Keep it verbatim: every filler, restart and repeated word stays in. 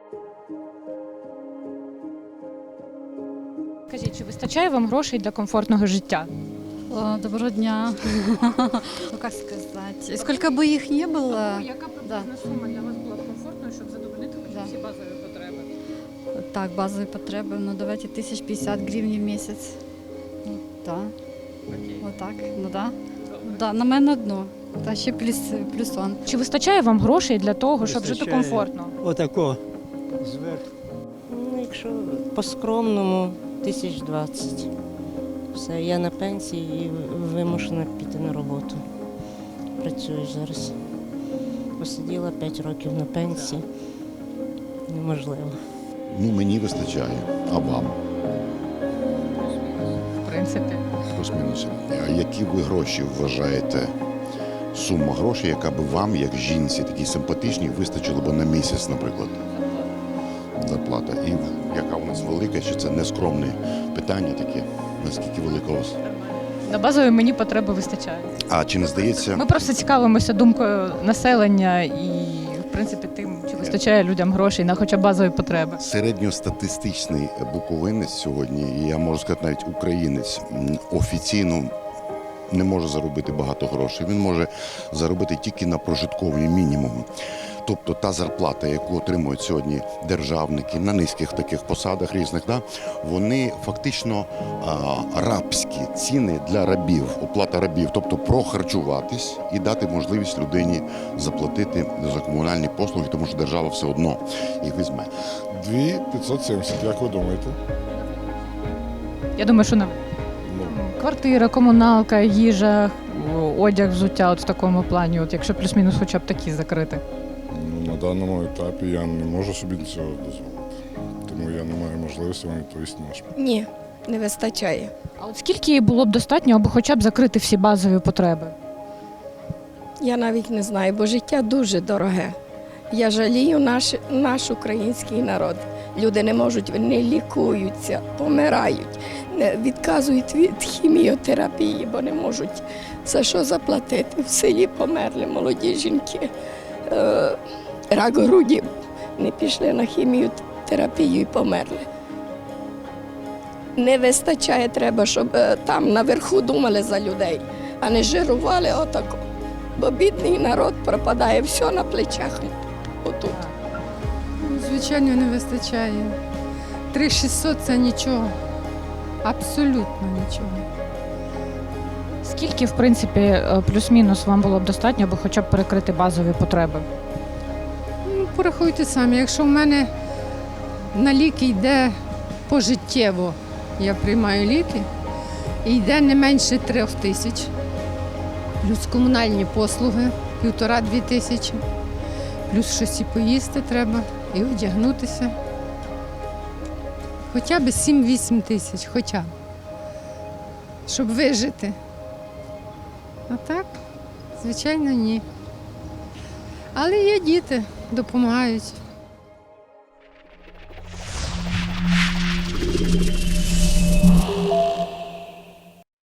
Скажіть, чи вистачає вам грошей для комфортного життя? О, доброго дня. Ну, как сказать, сколько бы их не было, Яка Да. приблизна сума для вас була б комфортною, щоб задовольнити Да. всі базові потреби? так, базовые потребы, ну давайте тысяч пятьдесят гривен в месяц. Ну, да, Окей. вот так, ну да. Да, на мене одно, та ще плюс, плюсон. Чи вистачає вам грошей для того, щоб жити Вистачає. комфортно? Отако зверху. Ну, якщо по-скромному, тисяч двадцять. Все, я на пенсії і вимушена піти на роботу. Працюю зараз. Посиділа п'ять років на пенсії. Неможливо. Ну, мені вистачає, а вам? В принципі. Плюс-мінус. А які ви гроші вважаєте, сума грошей, яка би вам, як жінці, такій симпатичній, вистачило б на місяць, наприклад? Зарплата. І яка у нас велика, чи це нескромне питання таке? Наскільки велика у вас? На базові мені потреби вистачає. А чи не здається, Ми просто цікавимося думкою населення і, в принципі, тим, чи вистачає людям грошей на хоча б базові потреби. середньостатистичний буковинець сьогодні, і я можу сказати навіть українець, м, офіційно не може заробити багато грошей. Він може заробити тільки на прожитковий мінімум. Тобто та зарплата, яку отримують сьогодні державники на низьких таких посадах різних, да, вони фактично а, рабські ціни для рабів, оплата рабів, тобто прохарчуватись і дати можливість людині заплатити за комунальні послуги, тому що держава все одно їх візьме. дві п'ятсот сімдесят, як ви думаєте? Я думаю, що на Ну, квартира, комуналка, їжа, одяг, взуття, от в такому плані, от якщо плюс-мінус хоча б такі закрити. ну, на даному етапі я не можу собі цього дозволити. Тому я не маю можливості вам відповісти на ваш питання. Ні, не вистачає. А от скільки було б достатньо, аби хоча б закрити всі базові потреби? Я навіть не знаю, бо життя дуже дороге. Я жалію наш, наш український народ. Люди не можуть, не лікуються, помирають, не відказують від хіміотерапії, бо не можуть за що заплатити. В селі померли молоді жінки, е, рак груді, не пішли на хіміотерапію і померли. Не вистачає, треба, щоб е, там наверху думали за людей, а не жирували отако. Бо бідний народ пропадає все на плечах отут. Звичайно, не вистачає. три тисячі шістсот – це нічого. Абсолютно нічого. Скільки, в принципі, е, плюс-мінус вам було б достатньо, аби хоча б перекрити базові потреби? Ну, порахуйте самі, якщо в мене на ліки йде пожиттєво, я приймаю ліки, і йде не менше трьох тисяч, плюс комунальні послуги, півтора-дві тисячі, плюс щось і поїсти треба, і одягнутися. Хоча б сім-вісім тисяч, хоча б, щоб вижити. А так, звичайно, ні. Але є діти, допомагають.